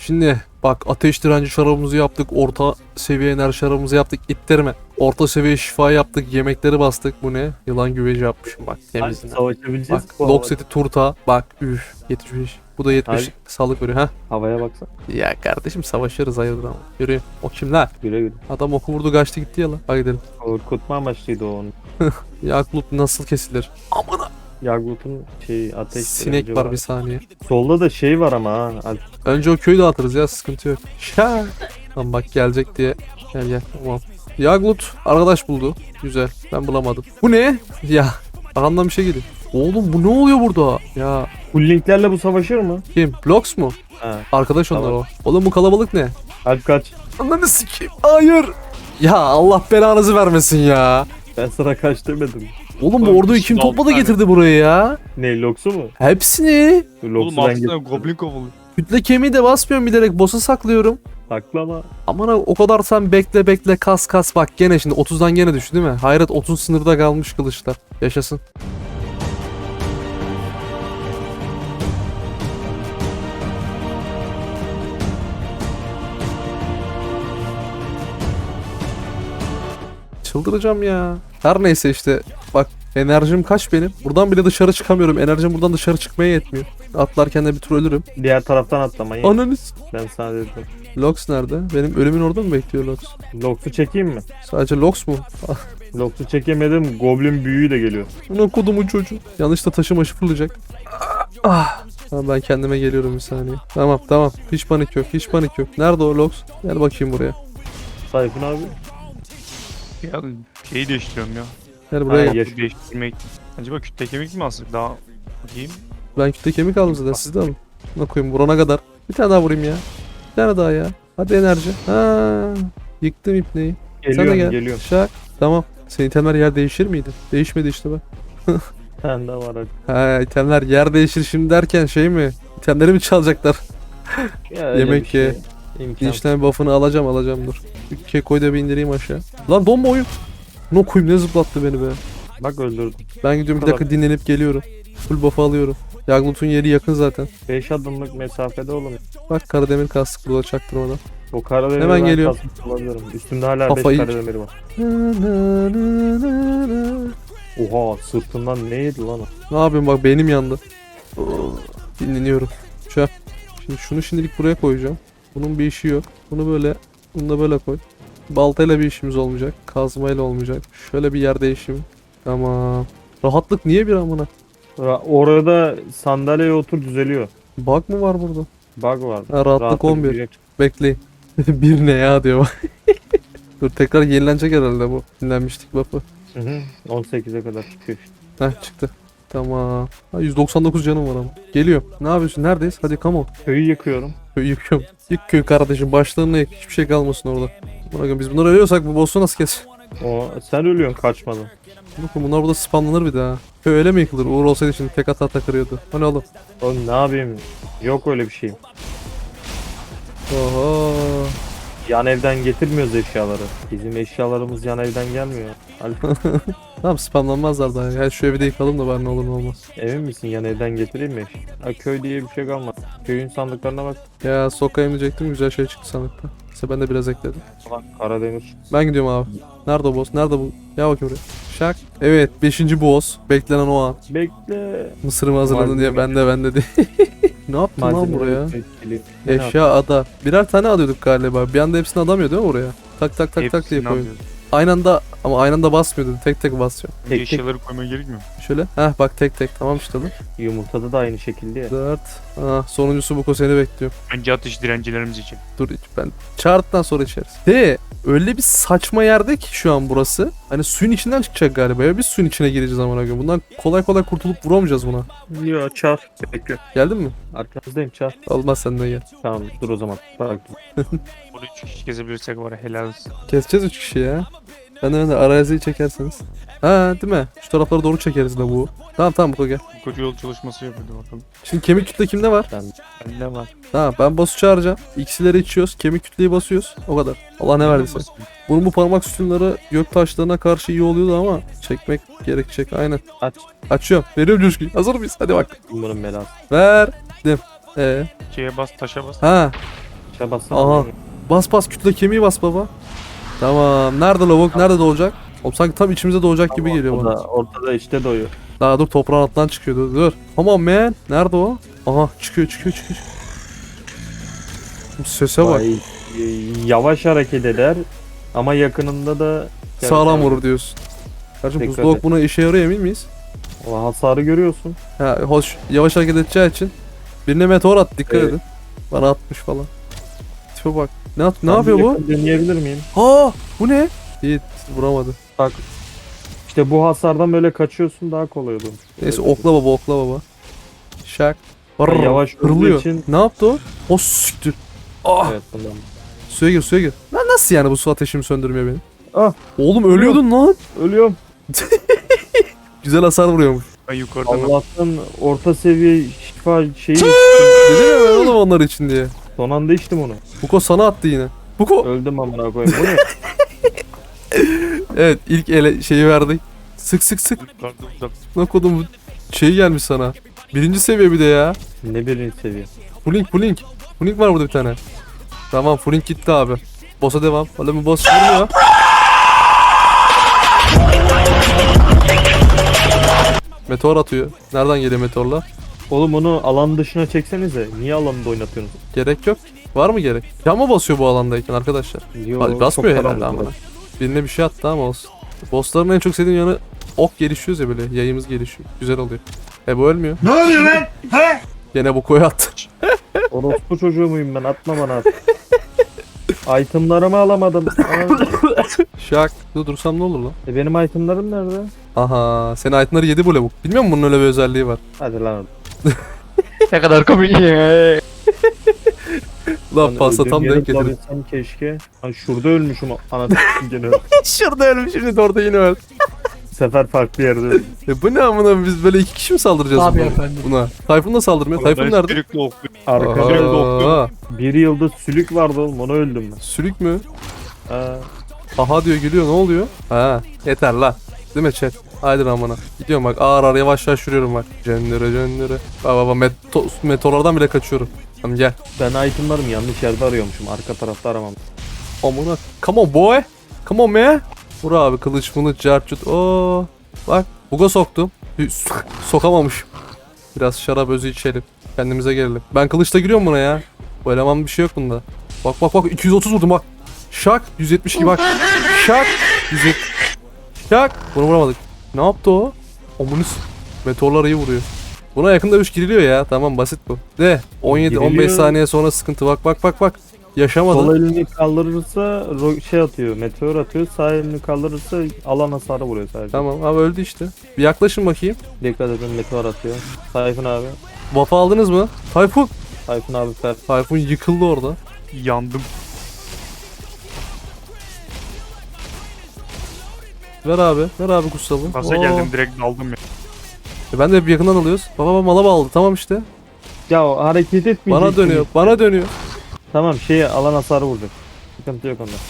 Şimdi bak ateş direnci şarabımızı yaptık. Orta seviye enerji şarabımızı yaptık. İttirme. Orta seviye şifa yaptık. Yemekleri bastık. Bu ne? Yılan güveci yapmışım bak. Hadi Temizine. savaşabileceğiz Bak bu lok seti turta. Bak üf 75. Bu da 70 Hadi. sağlık veriyor ha. havaya baksana. Ya kardeşim savaşırız hayırdır ama. Yürüyün. O kimler? Güle güle. Adam oku vurdu kaçtı gitti ya lan. Hadi gidelim. Korkutma amaçlıydı o onun. Yaklut nasıl kesilir? Amına. Yagut'un ateş Sinek direnci var bir saniye. Solda da şey var ama ha. Önce o köyü dağıtırız ya sıkıntı yok. Şa. Tamam bak gelecek diye. Gel gel tamam. Yaglut arkadaş buldu. Güzel ben bulamadım. Bu ne? Ya arkamdan bir şey geliyor. Oğlum bu ne oluyor burada? Ya Full linklerle bu savaşır mı? kim? Blox mu? Ha. Arkadaş onlar Tamam. o. Oğlum bu kalabalık ne? Alp kaç. Ananı sikeyim. Hayır. Ya Allah belanızı vermesin ya. Ben sana kaç demedim. Oğlum bu Oğlum, orduyu kim altı topladı tane. getirdi buraya ya? Ne Lox'u mu? Hepsini. Oğlum Lox'u ben altına getirdim. goblin kovalıyor. Kütle kemiği de basmıyorum bilerek boss'a saklıyorum. Saklama. Aman ha, o kadar sen bekle bekle kas kas bak gene şimdi 30'dan gene düştü değil mi? Hayret 30 sınırda kalmış kılıçlar. Yaşasın. Çıldıracağım ya. Her neyse işte bak enerjim kaç benim? Buradan bile dışarı çıkamıyorum. Enerjim buradan dışarı çıkmaya yetmiyor. Atlarken de bir tur ölürüm. Diğer taraftan atlamayın. Ananız. Ben sana dedim. Lox nerede? Benim ölümün orada mı bekliyor Lox? Lox'u çekeyim mi? Sadece Lox mu? Lox'u çekemedim. Goblin büyüğü de geliyor. Buna kodumun çocuğu. Yanlışta taşı maşı fırlayacak. Tamam ben kendime geliyorum bir saniye. Tamam tamam. Hiç panik yok. Hiç panik yok. Nerede o Lox? Gel bakayım buraya. Tayfun abi. Ya şeyi değiştiriyorum ya. Gel buraya Ha, gel. yaş- Değiştirmek. Acaba kütle kemik mi alsak daha bakayım. Ben kütle kemik aldım zaten. Siz de alın. Buna koyayım vurana kadar. Bir tane daha vurayım ya. Bir tane daha ya. Hadi enerji. Ha. Yıktım ipneyi. Sen de Geliyorum gel. geliyorum. Şak. Tamam. Senin itemler yer değişir miydi? Değişmedi işte bak. Sen de var hadi. Ha itemler yer değişir şimdi derken şey mi? İtemleri mi çalacaklar? Ya öyle Yemek bir şey. ye. İmkan. İşlem buff'ını alacağım dur. Bir kekoyu da bir indireyim aşağı. Lan donma oyun. Ne koyayım ne zıplattı beni be. Bak öldürdüm. Ben gidiyorum bir Tamam. dakika dinlenip geliyorum. Full buff'ı alıyorum. Yaglut'un yeri yakın zaten. 5 adımlık mesafede oğlum. Bak Karademir kastık burada çaktırmadan. O karademiri Hemen ben geliyor. kasmış olabilirim. Üstümde hala 5 Kafayı- karademiri var. Oha sırtından ne yedi lan o? Ne yapayım bak beynim yandı. Dinleniyorum. Şu an. Şimdi şunu şimdilik buraya koyacağım. Bunun bir işi yok. Bunu böyle, bunu da böyle koy. Baltayla bir işimiz olmayacak. Kazmayla olmayacak. Şöyle bir yer değişimi. Tamam. Rahatlık niye bir amına? Orada sandalyeye otur düzeliyor. Bug mı var burada? Bug var. Ha, rahatlık 11. düzecek. Bekleyin. Bir ne ya diyor bak. Dur tekrar yenilenecek herhalde bu. Yenilenmiştik buff'ı. Hı hı. 18'e kadar çıkıyor işte. Heh çıktı. Tamam. Ha, 199 canım var ama. Geliyor. Ne yapıyorsun? Neredeyiz? Hadi come on. Köyü yıkıyorum. Köyü yıkıyorum. Yık köyü kardeşim. Başlarına yık. Hiçbir şey kalmasın orada. Bakın biz bunları ölüyorsak bu boss'u nasıl kes? Sen ölüyorsun kaçmadan. Bakın bunlar burada spamlanır bir daha. Köy öyle mi yıkılır? Uğur olsaydı şimdi tek hata takırıyordu. Hani oğlum? Oğlum ne yapayım? Yok öyle bir şeyim. Oho. Yan evden getirmiyoruz eşyaları. Bizim eşyalarımız yan evden gelmiyor. Alp, Tamam spamlanmazlar daha. Ya şu evi de yıkalım da bari ne olur ne olmaz. emin misin yan evden getireyim mi? Ha, köy diye bir şey kalmadı. Köyün sandıklarına bak. Ya sokayım diyecektim. Güzel şey çıktı sandıkta. İşte ben de biraz ekledim. Ulan Karademir. Ben gidiyorum abi. Nerede o boss? Nerede bu? Gel bakayım buraya. Şak. Evet 5. boss. Beklenen o an. Bekle. Mısırımı hazırladın diye ben de diye. Ne yaptın lan Malzeme buraya? etkili. Eşya ada. Birer tane alıyorduk galiba. Bir anda hepsini adamıyor değil mi oraya? Tak tak tak tak diye Hepsini koyuyor. alıyoruz. Aynı anda ama aynı anda basmıyordun. Tek tek basıyor. Önce Tek- eşyaları koymaya gerekmiyor mu? Şöyle. Heh bak tek tek. Tamam işte lan. Yumurtada da aynı şekilde ya. 4. Sonuncusu bu seni bekliyor. Önce atış direncilerimiz için. Dur ben çağırdıktan sonra içeriz. De öyle bir saçma yerde ki şu an burası. Hani suyun içinden çıkacak galiba ya. Biz suyun içine gireceğiz amına koyayım. Bundan kolay kolay kurtulup vuramayacağız buna. Yo çağır. Bekle. Geldin mi? Arkanızdayım çağır. Olmaz sen de gel. Tamam dur o zaman. Bak. Bunu 3 kişi kesebilirsek var ya helal olsun. Keseceğiz 3 kişi ya. Ben de araziyi çekerseniz. Ha değil mi? Şu taraflara doğru çekeriz de bu. Tamam tamam bu gel. Bu koca yol çalışması yapıyordu bakalım. Şimdi kemik kütle kimde var? Bende var. Ha ben boss'u çağıracağım. İkisileri içiyoruz. Kemik kütleyi basıyoruz. O kadar. Allah ne verdiyse. Bunun bu parmak sütunları gök taşlarına karşı iyi oluyordu ama çekmek gerekecek. Aynen. Aç. Açıyorum. Veriyorum coşkuyu. Hazır mıyız? Hadi bak. Bunun belası. Verdim. Şeye bas taşa bas. Ha. Aşağı bassana. Aha. Bas bas kütle kemiği bas baba. Tamam. Nerede lavuk? Nerede doğacak? Oğlum sanki tam içimize doğacak gibi geliyor bana. Ortada işte doyuyor. Daha dur toprağın altından çıkıyor. Dur. Come on man. Nerede o? Aha çıkıyor. Sese bak. Vay, yavaş hareket eder ama yakınında da Sağlam vurur diyorsun. Kardeşim Dikkat buzdolabı et. buna işe yarıyor emin miyiz? O hasarı görüyorsun. Ha, hoş yavaş hareket edeceği için birine meteor at dikkat Evet. edin. Bana atmış falan. Tipe bak. Ne Ben yapıyor bir bu? yakın Deneyebilir miyim? Ha bu ne? Yiğit vuramadı. Bak. İşte bu hasardan böyle kaçıyorsun daha kolay olur. Neyse okla baba. Şak. Ben yavaş olduğu Hırlıyor. için- Ne yaptı o? O siktir. Ah Evet bundan. suya gir. Lan nasıl yani bu su ateşimi söndürmüyor beni? Ah Oğlum ölüyordun lan. ölüyorum. Güzel hasar vuruyormuş. Ben yukarıdan Allah'tan orta seviye şifa şeyi Dedim ya ben oğlum onlar için diye. son anda içtim onu. Buko sana attı yine. Buko. Öldüm amına koyayım. Bu ne? Evet ilk ele şeyi verdik. Sık. yukarıda uzak. Ne kodum şey gelmiş sana. Birinci seviye bir de ya. Ne birinci seviye. Pulink. Pulink var burada bir tane. Tamam Pulink gitti abi. Boss'a devam. Oğlum bu boss vurmuyor. Meteor atıyor. Nereden geliyor meteorlar? Oğlum onu alan dışına çeksenize. Niye alanında oynatıyorsunuz? Gerek yok. Var mı gerek? Can mı basıyor bu alandayken arkadaşlar? Basmıyor çok herhalde karanlık ama. burası. Birine bir şey attı ama olsun. Bossların en çok sevdiğim yanı ok gelişiyoruz ya böyle. Yayımız gelişiyor. Güzel oluyor. Bu ölmüyor. Ne oluyor lan? He? Gene bu koyu attı. Orospu çocuğu muyum ben? Atma bana at. Itemlarımı alamadım. Şak. Dursam ne olur lan? Benim itemlarım nerede? Aha. Senin itemları yedi bu lavuk. Bilmiyor musun bunun öyle bir özelliği var? Hadi lan. Ne kadar komik ya. Lan pasta tam denk getirdim. bulabilsem keşke. Hani şurada ölmüşüm anasını gene. Şurada ölmüş şimdi orada yine öl. Bu sefer farklı yerde öldüm. Bu ne amına biz böyle iki kişi mi saldıracağız Tabii buna? efendim. Buna. Tayfun da saldırmıyor. Tayfun nerede? Sürüklü oklu. Arkada Aha. bir yıldız sülük vardı oğlum onu öldüm ben. Sülük mü? Ha. Aha diyor gülüyor ne oluyor? Ha yeter lan. Değil mi chat? Haydi amına. Gidiyorum bak ağır yavaş yürüyorum bak. Cendere. Baba meteorlardan bile kaçıyorum. Tamam gel. Ben itemlarımı yanlış yerde arıyormuşum. Arka tarafta aramam. Amına. Come on boy. Come on man. Vur abi kılıç bunu carcut. Oo. Bak buga soktum. Sokamamışım. Biraz şarap özü içelim. Kendimize gelelim. Ben kılıçla giriyorum buna ya. Bu eleman bir şey yok bunda. Bak 230 vurdum bak. Şak 172 bak. Şak 170. Şak. Bunu vuramadık. Ne yaptı o? Omunus. Meteorlar iyi vuruyor. Buna yakında 3 giriliyor ya. Tamam basit bu. De 17-15 Giriliyor. saniye sonra sıkıntı. Bak. Yaşamadı. Sol elini kaldırırsa şey atıyor, meteor atıyor. Sağ elini kaldırırsa alan hasarı vuruyor sadece. Tamam abi öldü işte. Bir yaklaşın bakayım. Dikkat edin meteor atıyor. Tayfun abi. Wafa aldınız mı? Tayfun. Tayfun abi fer. Tayfun yıkıldı orada. Yandım. Ver abi kutsalım. Gaza geldim direkt daldım ya. Ben de hep yakından alıyoruz. Baba mala bağladı. Tamam işte. Ya o hareket etmeyecek. Bana dönüyor. Tamam alan hasarı vuracak. Sıkıntı yok onda.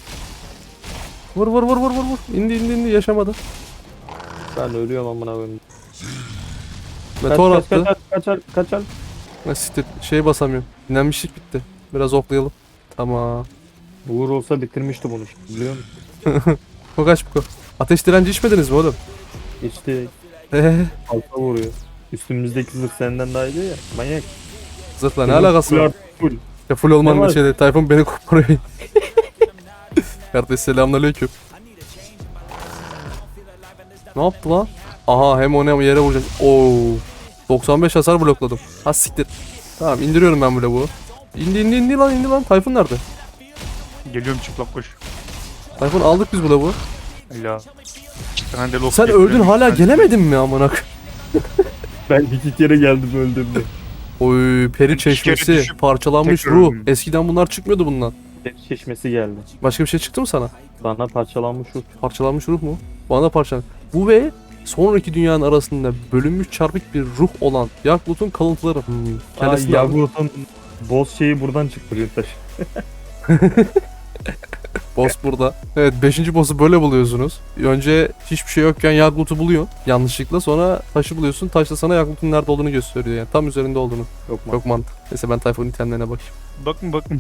Vur. İndi yaşamadı. Ben ölüyorum amına koyayım. Meteor attı. Kaçar. Siktir. Şey basamıyorum. Dinlenmişlik bitti. Biraz oklayalım. Tamam. Uğur olsa bitirmişti bunu şimdi, biliyor musun? Kokaç bu. Ateş direnci içmediniz mi oğlum? İşte alta vuruyor. Üstümüzdeki zırh senden daha iyi ya. Manyak. Zırhla ne alakası var? Full. Ya full olmanın Ne bir var? şeyde. Tayfun beni koparıyor. Kardeş selamünaleyküm. Ne yaptı lan? Aha hem onu hem yere vuracak. Oo. 95 hasar blokladım. Ha siktir. Tamam indiriyorum ben bu. İndi lan. Tayfun nerede? Geliyorum çıplak koş. Tayfun aldık biz bu. Hala. Ben de Sen öldün hala gelemedin mi amına? Ben 2 kere geldim öldüm de. Oy peri İki kere çeşmesi, düşüp parçalanmış tekrar ruh. öldüm. Eskiden bunlar çıkmıyordu bundan. Deniz çeşmesi geldi. Başka bir şey çıktı mı sana? Bana parçalanmış ruh. Parçalanmış ruh mu? Bana da parçalanmış. Bu ve sonraki dünyanın arasında bölünmüş çarpık bir ruh olan Yaklut'un kalıntıları. Kendisini aldım. Yavrut'un boss şeyi buradan çıktı Yurttaş. Boss burada. Evet 5. boss'u böyle buluyorsunuz. Önce hiçbir şey yokken Yaglut'u buluyor yanlışlıkla. Sonra taşı buluyorsun. Taş da sana Yaglut'un nerede olduğunu gösteriyor yani. Tam üzerinde olduğunu. Yok mu? Çok mantıklı. Neyse ben Tayfun'un itemlerine bakayım. Bakın.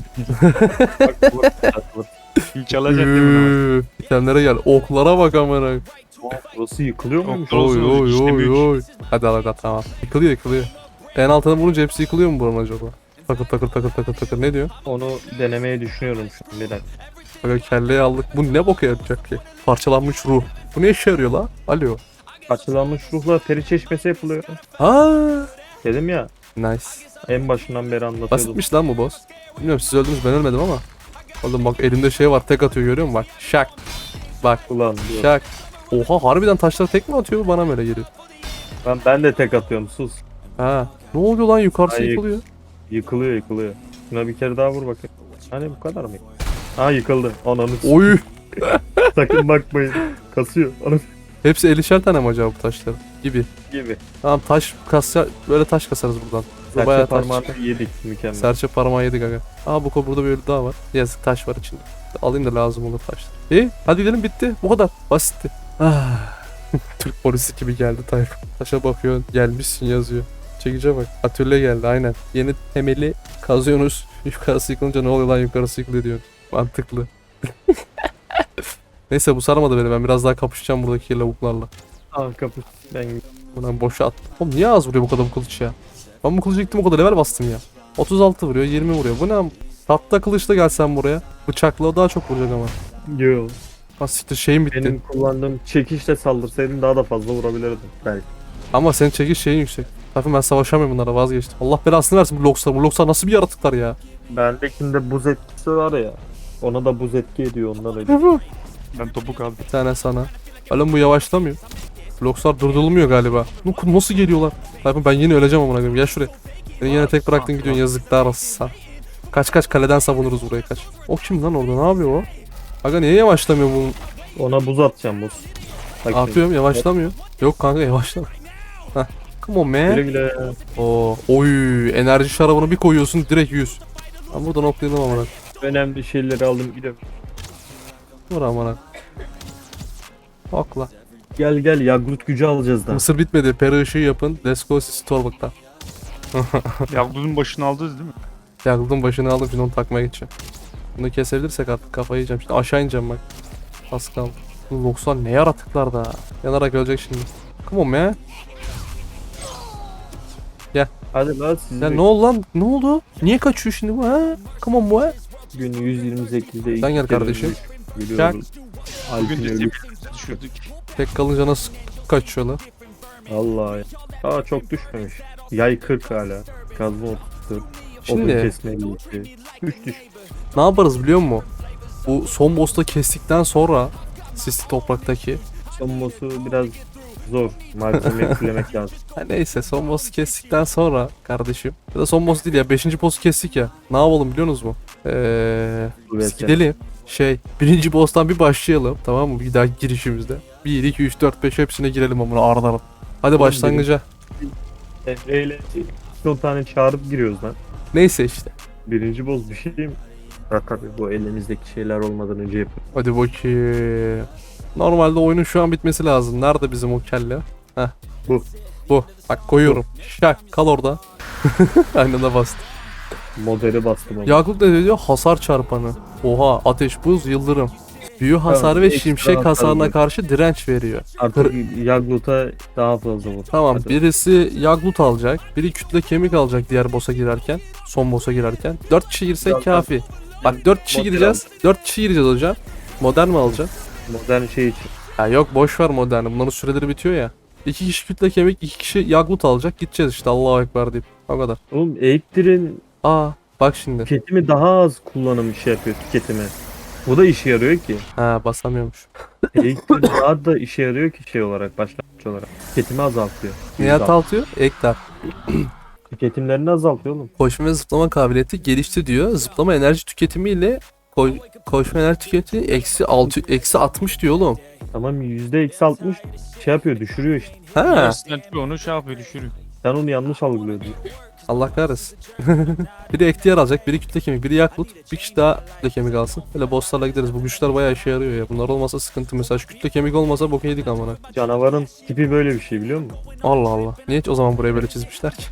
Bak, İlk alacak değil mi? Üüüü, itemlere gel. Oklara bak amına. burası yıkılıyor muymuş? Yok, Oy Olsun, oy işte oy büyük. oy. Hadi hadi tamam. Yıkılıyor. En altına vurunca hepsi yıkılıyor mu buranın acaba? Takır ne diyor? Onu denemeyi düşünüyorum şu an bir dakika. Böyle kelleyi aldık. Bu ne boka yarayacak ki? Parçalanmış ruh. Bu ne işe yarıyor la? Alo. Açılanmış ruhla peri çeşmesi yapılıyor. Aa. Dedim ya Nice. en başından beri anlatıyordum. Basitmiş lan bu boss. Bilmiyorum siz öldünüz ben ölmedim ama. Oğlum bak elimde şey var tek atıyor görüyor musun? Bak şak. Bak Ulan diyor. şak. Oha harbiden taşlar tek mi atıyor bana mı öyle geliyor? Ben de tek atıyorum sus. Ha. Ne oluyor lan yukarısı Ay, yıkılıyor. Yıkılıyor. Şuna bir kere daha vur bakayım. Hani bu kadar mı? Ha yıkıldı. Ananı Oy. sakın bakmayın. Kasıyor. Ananı Hepsi 50'şer tane mi acaba bu taşların? Gibi. gibi. Tamam taş kasya böyle taş kasarız buradan. Bu Serçe bayağı taş. parmağını yedik mükemmel. Serçe parmağı yedik aga. Aa bu burada bir ölü daha var. Yazık taş var içinde. Alayım da lazım olur taşlar. İyi hadi gidelim bitti. Bu kadar. Basitti. Ah. Türk polisi gibi geldi Tayfun. Taşa bakıyor gelmişsin yazıyor. Çekice bak. Atölye geldi aynen. Yeni temeli kazıyorsunuz. Yukarısı yıkılınca ne oluyor lan yukarısı yıkılıyor diyor. Mantıklı. Neyse bu sarmadı beni. Ben biraz daha kapışacağım buradaki lavuklarla. Al kapı. Ben Buradan boşa at. Oğlum niye az vuruyor bu kadar bu kılıç ya? Ben bu kılıcı gittim o kadar level bastım ya. 36 vuruyor 20 vuruyor. Bu ne? Tatlı kılıçla gelsen buraya. Bıçakla o daha çok vuracak ama. Yo. Ha siktir şeyim bitti. Benim kullandığım çekişle saldırsaydın daha da fazla vurabilirdim. Belki. Ama senin çekiş şeyin yüksek. Tabii ben savaşamıyorum bunlara vazgeçtim. Allah belasını versin bu Loxlar. Bu Loxlar nasıl bir yaratıklar ya? Bendekinde buz etkisi var ya. Ona da buz etki ediyor ondan öyle. Ben topuk aldım. Bir tane sana. Oğlum bu yavaşlamıyor. Loxlar durdurulmuyor galiba. Nasıl geliyorlar? Tabii ben yine öleceğim amına koyayım. Gel şuraya. Beni yine tek bıraktın gidiyorsun yazıklar olsun. Kaç kaleden savunuruz burayı kaç. O kim lan orada ne yapıyor o? Aga niye yavaşlamıyor bu? Ona buz atacağım buz. Bak şimdi. Atıyorum yavaşlamıyor. Yok kanka yavaşlamıyor. Heh. Come on Güle man. güle. Oo, oy enerji şarabını bir koyuyorsun direkt 100. Ben buradan oklayalım amına. Önemli şeyleri aldım gidelim. Dur amına. Okla. Gel Yagrut gücü alacağız da. Mısır bitmedi. Peri ışığı yapın. Let's go Storbuk'ta. Yavrunun başını aldınız değil mi? Yakıldım başını aldım şimdi onu takmaya geçeceğim. Bunu kesebilirsek artık kafayı yiyeceğim. Şimdi aşağı ineceğim bak. Az kaldı. Bu 90 ne yaratıklar da. Yanarak ölecek şimdi. Come on man. Hadi lan siz Ya ne oldu lan? Ne oldu? Niye kaçıyor şimdi bu ha? Come on boy. gün 128'de Sen gel kardeşim. Biliyorum. Bugün Alp'in de ölü. tepkimizi düşürdük. Tek kalınca nasıl kaçıyorlar? Allah ya. Aa çok düşmemiş. Yay 40 hala. Kazma 34. Odun Şimdi kesme 52. 3 düş. ne yaparız biliyor musun? Bu son boss'ta kestikten sonra sisli topraktaki. Son boss'u biraz zor. Malzeme eklemek lazım. Ha neyse son boss'u kestikten sonra kardeşim. Ya da son boss değil ya 5. boss'u kestik ya. Ne yapalım biliyorsunuz mu? Biz gidelim. Birinci boss'tan bir başlayalım tamam mı? Bir daha girişimizde. 1, 2, 3, 4, 5 hepsine girelim amına ardarım. Hadi Oğlum, başlangıca. Emre 10 tane çağırıp giriyoruz lan. Neyse işte. Birinci boss bir şey mi? Ha tabii bu elimizdeki şeyler olmadan önce yapın. Hadi bakayım. Normalde oyunun şu an bitmesi lazım. Nerede bizim o kelle? Heh. Bu. Bu. Bak koyuyorum. Şak kal orada. Aynen de bastı. Modeli bastım ama. Yakup ne diyor? Hasar çarpanı. Oha ateş buz yıldırım. Büyü hasarı ve ekstra şimşek hasar hasarına veriyor. karşı direnç veriyor. Artık Yaglut'a daha fazla vur. Tamam Hadi. birisi Yaglut alacak. Biri kütle kemik alacak diğer boss'a girerken. Son boss'a girerken. 4 kişi girsek Zaten- kafi. Bak 4 kişi Model gireceğiz. 4 kişi gireceğiz hocam. Modern mi alacaksın? Modern şey için. Ya yok boş ver moderni. Bunların süreleri bitiyor ya. 2 kişi kütle kemik, 2 kişi Yaglut alacak. Gideceğiz işte Allahu Ekber deyip. O kadar. Oğlum Eiktir'in Aa bak şimdi. tüketimi daha az kullanım şey yapıyor tüketimi. Bu da işe yarıyor ki. Ha basamıyormuş. Eiktir daha da işe yarıyor ki şey olarak başlangıç olarak. Tüketimi azaltıyor. Niye azaltıyor? Ekler. Tüketimlerini azaltıyor oğlum. Koşma ve zıplama kabiliyeti gelişti diyor. Zıplama enerji tüketimiyle koşma enerji tüketimi eksi 60 diyor oğlum. Tamam %-60 şey yapıyor düşürüyor işte. Ha. Yarısından onu şey yapıyor düşürüyor. Sen onu yanlış algılıyordun. Allah kahretsin. Biri ektiyar alacak, biri kütle kemik, biri yaklut. Bir kişi daha kütle kemik alsın. Böyle bosslarla gideriz. Bu güçler bayağı işe yarıyor ya. Bunlar olmasa sıkıntı. Mesela şu kütle kemik olmasa boku yedik amına. Canavarın tipi böyle bir şey biliyor musun? Allah Allah. Niye hiç o zaman buraya böyle çizmişler ki?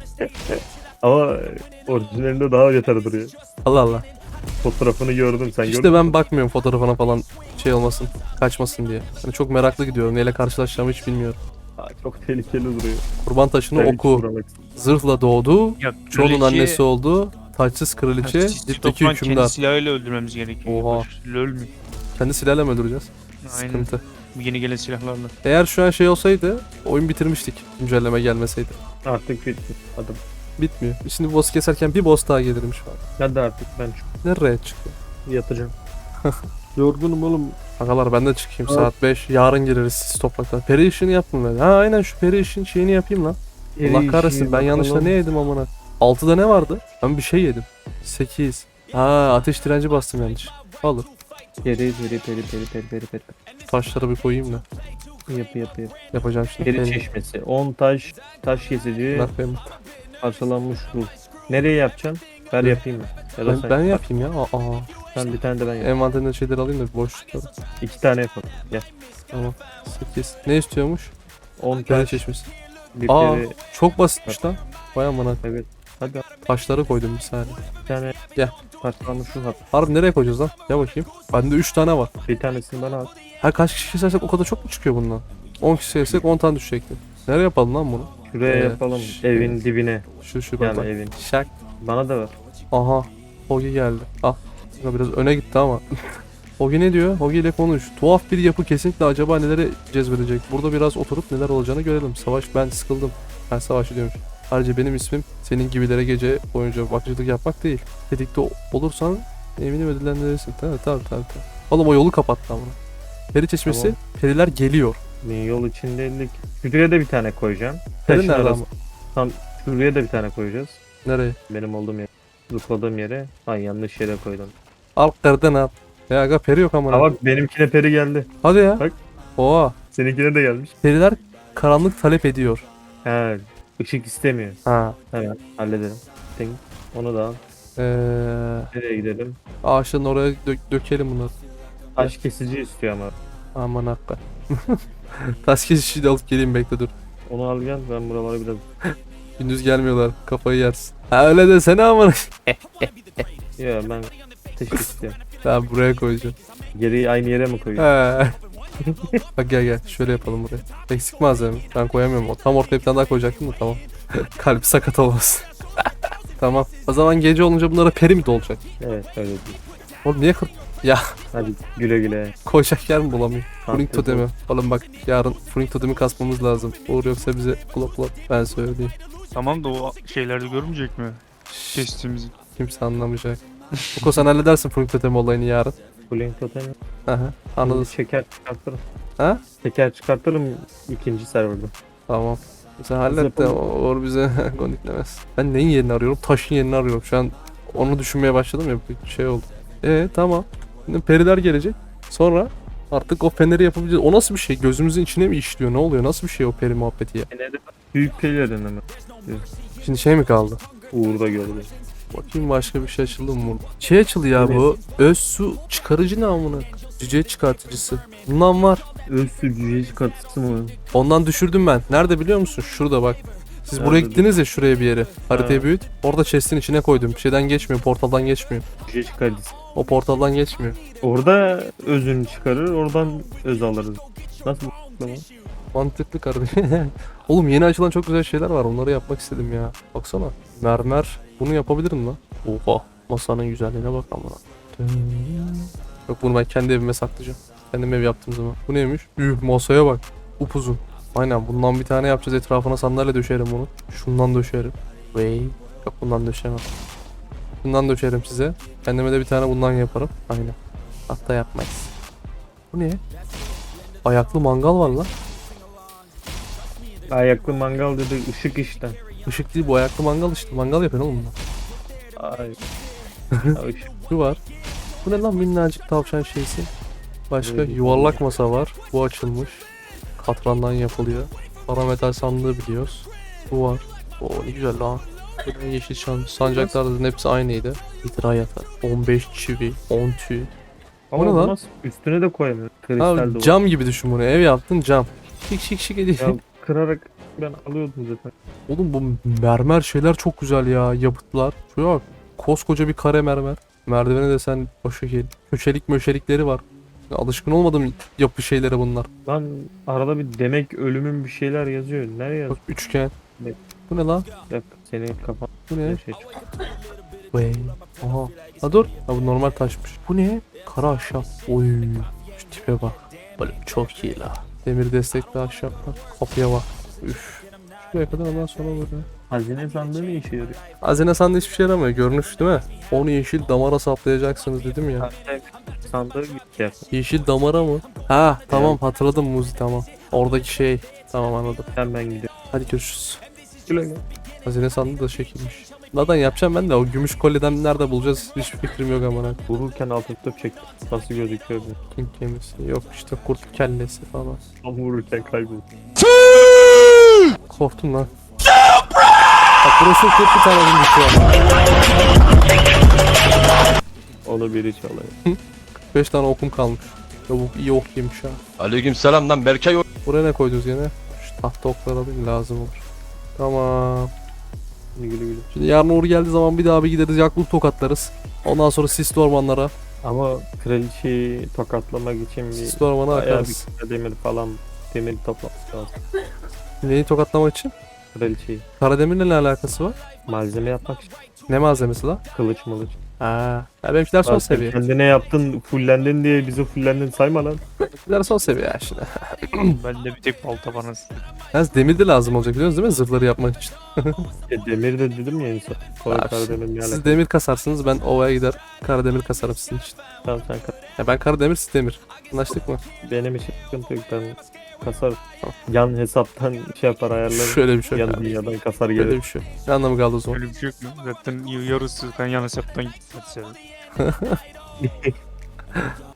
Ama orijinalinde daha beter duruyor. Allah Allah. Fotoğrafını gördüm sen gördün İşte mü? ben bakmıyorum fotoğrafına falan şey olmasın, kaçmasın diye. Hani çok meraklı gidiyorum. Neyle karşılaşacağımı hiç bilmiyorum. Aa, çok tehlikeli duruyor. Kurban taşını Ben hiç oku. uğramak istemiyorum. Zırhla doğdu. Ya Çoğunun annesi oldu. Taçsız kraliçe. Dipteki Kendi hükümdar. silahıyla öldürmemiz gerekiyor. Oha. LOL mü? Kendi silahla mı öldüreceğiz? Aynen. Sıkıntı. Yeni gelen silahlarla. Eğer şu an şey olsaydı oyun bitirmiştik. Güncelleme gelmeseydi. Artık bitti. Hadi. Bitmiyor. Şimdi boss keserken bir boss daha gelirmiş falan. Hadi artık ben Nereye çıktı? yatacağım. Yorgunum oğlum. Agalar ben de çıkayım Evet. saat 5. Yarın gireriz siz topraktan. Peri işini yaptım ben. Ha aynen şu peri işin şeyini yapayım lan. Allah kahretsin ben yanlışla ne yedim amına. 6'da ne vardı? Ben bir şey yedim. 8. Ha ateş direnci bastım yanlış. Olur. Peri. Taşları bir koyayım da. Yapı. Yapacağım şimdi. Peri çeşmesi. 10 taş kesici. Bunlar benim. Parçalanmış ruh. Nereye yapacaksın? Ben yapayım mı? Ya da Ben yapayım ya. Aa. Ben bir tane de ben yapayım. Envanterinde şeyleri alayım da boş tutalım. 2 tane yapalım. Gel. Tamam. 8. Ne istiyormuş? 10 Peri taş. çeşmesi. Bir Aa peri. çok basitmiş lan. Vay amına. Evet. Hadi Taşları koydum bir saniye. bir tane. Gel. Parçalanmış ruh at. Harbi nereye koyacağız lan? Gel bakayım. Bende 3 tane var. Bir tanesini bana at. Ha kaç kişi kesersek o kadar çok mu çıkıyor bundan? 10 kişi kesersek 10 tane düşecekti. Nereye yapalım lan bunu? Şuraya Evet. yapalım. Evin dibine. Şu bak Yani bak. evin. Şak. Bana da ver. Aha. Hogi geldi. Ah. Biraz öne gitti ama. Hogi ne diyor? Hogi ile konuş. Tuhaf bir yapı kesinlikle acaba neleri cezbedecek? Burada biraz oturup neler olacağını görelim. Savaş ben sıkıldım. Ben savaşı diyormuş. Ayrıca benim ismim senin gibilere gece boyunca bakıcılık yapmak değil. Tetikte olursan eminim ödüllendirirsin. Tabii. Oğlum o yolu kapattı ama. Peri çeşmesi. Tamam. Periler geliyor. Yol içindeydik. Şuraya da bir tane koyacağım. Peri Taşın nerede arası- ama? Tam şuraya da bir tane koyacağız. Nereye? Benim olduğum yer. Zıpladığım yere. Ay yanlış yere koydum. Alt nereden al? Ya aga peri yok ama. Ha bak benimkine peri geldi. Hadi ya. Bak. Oha. Seninkine de gelmiş. Periler karanlık talep ediyor. He. Işık istemiyor. Ha. Hemen halledelim. Ting. Onu da al. Ee, Nereye gidelim? ağaçların oraya dökelim bunları. Taş kesici istiyor ama. Aman hakka. Taş kesişi de alıp geleyim bekle dur. Onu al gel ben buralara biraz. Gündüz gelmiyorlar kafayı yersin. Ha öyle desene aman. Ya ben ateş istiyorum. Ben buraya koyacağım. Geri aynı yere mi koyuyorum? He. Bak gel şöyle yapalım buraya. Eksik malzeme. Ben koyamıyorum. O tam ortaya bir tane daha koyacaktım da tamam. Kalp sakat olmasın. Tamam. O zaman gece olunca bunlara peri mi dolacak? Evet öyle değil. Oğlum niye kır... Hadi güle güle. Koyacak yer mi bulamıyor? Furing Afiyet totemi. olsun. Oğlum bak yarın Furing totemi kasmamız lazım. Uğur yoksa bize kulak ben söyleyeyim. Tamam da o şeylerde görmeyecek mi? Kestiğimizi. Kimse anlamayacak. Buko sen halledersin Furing totemi olayını yarın. Blink totemi. Aha anladın. Şeker çıkartırım. Ha? Şeker çıkartırım ikinci serverda. Tamam. Sen hallet de yapalım. Uğur bize gondiklemez. Ben neyin yerini arıyorum? Taşın yerini arıyorum. Şu an onu düşünmeye başladım ya bir şey oldu. Tamam. Şimdi periler gelecek. Sonra artık o feneri yapabileceğiz. O nasıl bir şey? Gözümüzün içine mi işliyor? Ne oluyor? Nasıl bir şey o peri muhabbeti ya? Yine de büyük pelerin ama. Şimdi şey mi kaldı? Uğur'da gördüm. Bakayım başka bir şey açıldı mı burada? Şey açıldı ya bu. Öz su çıkarıcı ne amına? Cüce çıkartıcısı. Bundan var. Öz sücüye çıkartısı mı? Ondan düşürdüm ben. Nerede biliyor musun? Şurada bak. Siz Nerede buraya gittiniz ya şuraya bir yere. Haritayı Ha. büyüt. Orada chest'in içine koydum. Bir şeyden geçmiyor. Portaldan geçmiyor. Sücüye çıkartısı. O portaldan geçmiyor. Orada özünü çıkarır, oradan öz alırız. Nasıl bu? Mantıklı kardeşim. Oğlum yeni açılan çok güzel şeyler var. Onları yapmak istedim ya. Baksana. Mermer. Bunu yapabilirim lan. Oha. Masanın güzelliğine bak amına. Yok bunu ben kendi evime saklayacağım. Kendim ev yaptığım zaman. Bu neymiş? Masaya bak. Upuzun. Aynen bundan bir tane yapacağız. Etrafına sandalye döşerim bunu. Şundan döşerim. Yok bundan döşemem. Bundan döşerim size. Kendime de bir tane bundan yaparım. Aynen. Hatta yapmayız. Bu ne? Ayaklı mangal var lan. Ayaklı mangal dedi, ışık işte. Işık değil bu ayaklı mangal işte. Mangal yapın oğlum bunlar. Ay. Ya ışık. Şu var. Bu ne lan minnacık tavşan şeysi. Başka Böyle yuvarlak masa var. Bu açılmış. Katrandan yapılıyor. Parametal sandığı biliyoruz. Bu var. Oo ne güzel lan. Yeşil sancakların hepsi aynıydı. Hidra yatak. 15 çivi. 10 tüy. Ama Bu ne lan? nasıl üstüne de koyamıyor. Kristal Abi duvar. cam gibi düşün bunu. Ev yaptın cam. Şık şık şık ediyor. Ya kırarak ben alıyordum zaten. Oğlum bu mermer şeyler çok güzel ya. Yapıtlar. Şuraya bak. Koskoca bir kare mermer. Merdivene de sen o şekil. Köşelik möşelikleri var. Ya alışkın olmadım yapı şeylere bunlar. Lan arada bir demek ölümün bir şeyler yazıyor. Nereye yazıyor? Bak üçgen. Ne? Bu ne lan? Bak senin kafan Bu ne? şey çıkıyor. Vay. Aha. Ha dur. Ha bu normal taşmış. Bu ne? Kara ahşap. Oy. Şu tipe bak. Böyle çok iyi la. Demir destekli ahşaplar. Kapıya bak. Üf. Şuraya kadar ondan sonra böyle. Hazine sandığı ne işe yarıyor? Hazine sandığı hiçbir şey yaramıyor. Görünüş değil mi? Onu yeşil damara saplayacaksınız dedim ya. Sandığı gitti. Yeşil damara mı? Ha tamam hatırladım Muzi tamam. Oradaki şey. Tamam anladım. Sen ben gidiyorum. Hadi görüşürüz. Güle güle. Hazine sandığı da şekilmiş. Zaten yapacağım ben de o gümüş kolyeden nerede bulacağız hiçbir fikrim yok amına. Vururken altın top çektim. Nasıl gözüküyor bu? King gemisi yok işte kurt kellesi falan. Tam vururken kayboldu. Korktum lan. Bak burası tek bir tane oyun düşüyor. Onu biri çalıyor. 5 tane okum kalmış. Çabuk iyi ok yemiş ha. Aleykümselam lan Berkay. Buraya ne koydunuz gene? Şu tahta okları alayım lazım olur. Tamam. Güle güle. Şimdi yarın Uğur geldiği zaman bir daha bir gideriz yakluk tokatlarız. Ondan sonra sisli ormanlara. Ama kraliçeyi tokatlamak için bir Sisli ormana bayağı akarız. bir demir falan demir toplaması lazım. Neyi tokatlamak için? Kraliçeyi. Karademir'le ne alakası var? Malzeme yapmak için. Ne malzemesi lan? Kılıç mılıç. Ha. Ya benimkiler son Lan sen seviye. kendine yaptın fullendin diye bizi fullendin sayma lan. Benimkiler son seviye ya şimdi. Ben de bir tek balta bana istedim. Yalnız demir de lazım olacak biliyorsunuz değil mi? Zırhları yapmak için. Demir de dedim ya insan. Sonra Abi, Karademir ne Siz alaka? demir kasarsınız ben ovaya gider Karademir kasarım sizin için. Tamam sen Ya ben Karademir siz demir. Anlaştık mı? benim için sıkıntı yok ben kasarım. Yan hesaptan şey yapar ayarlarım. Şöyle bir şey yok Yan abi. dünyadan kasar Böyle gelir. bir şey yok. Ne anlamı kaldı o zaman? Öyle bir şey yok mu? Zaten yarısı ben yan hesaptan gitmedi senin.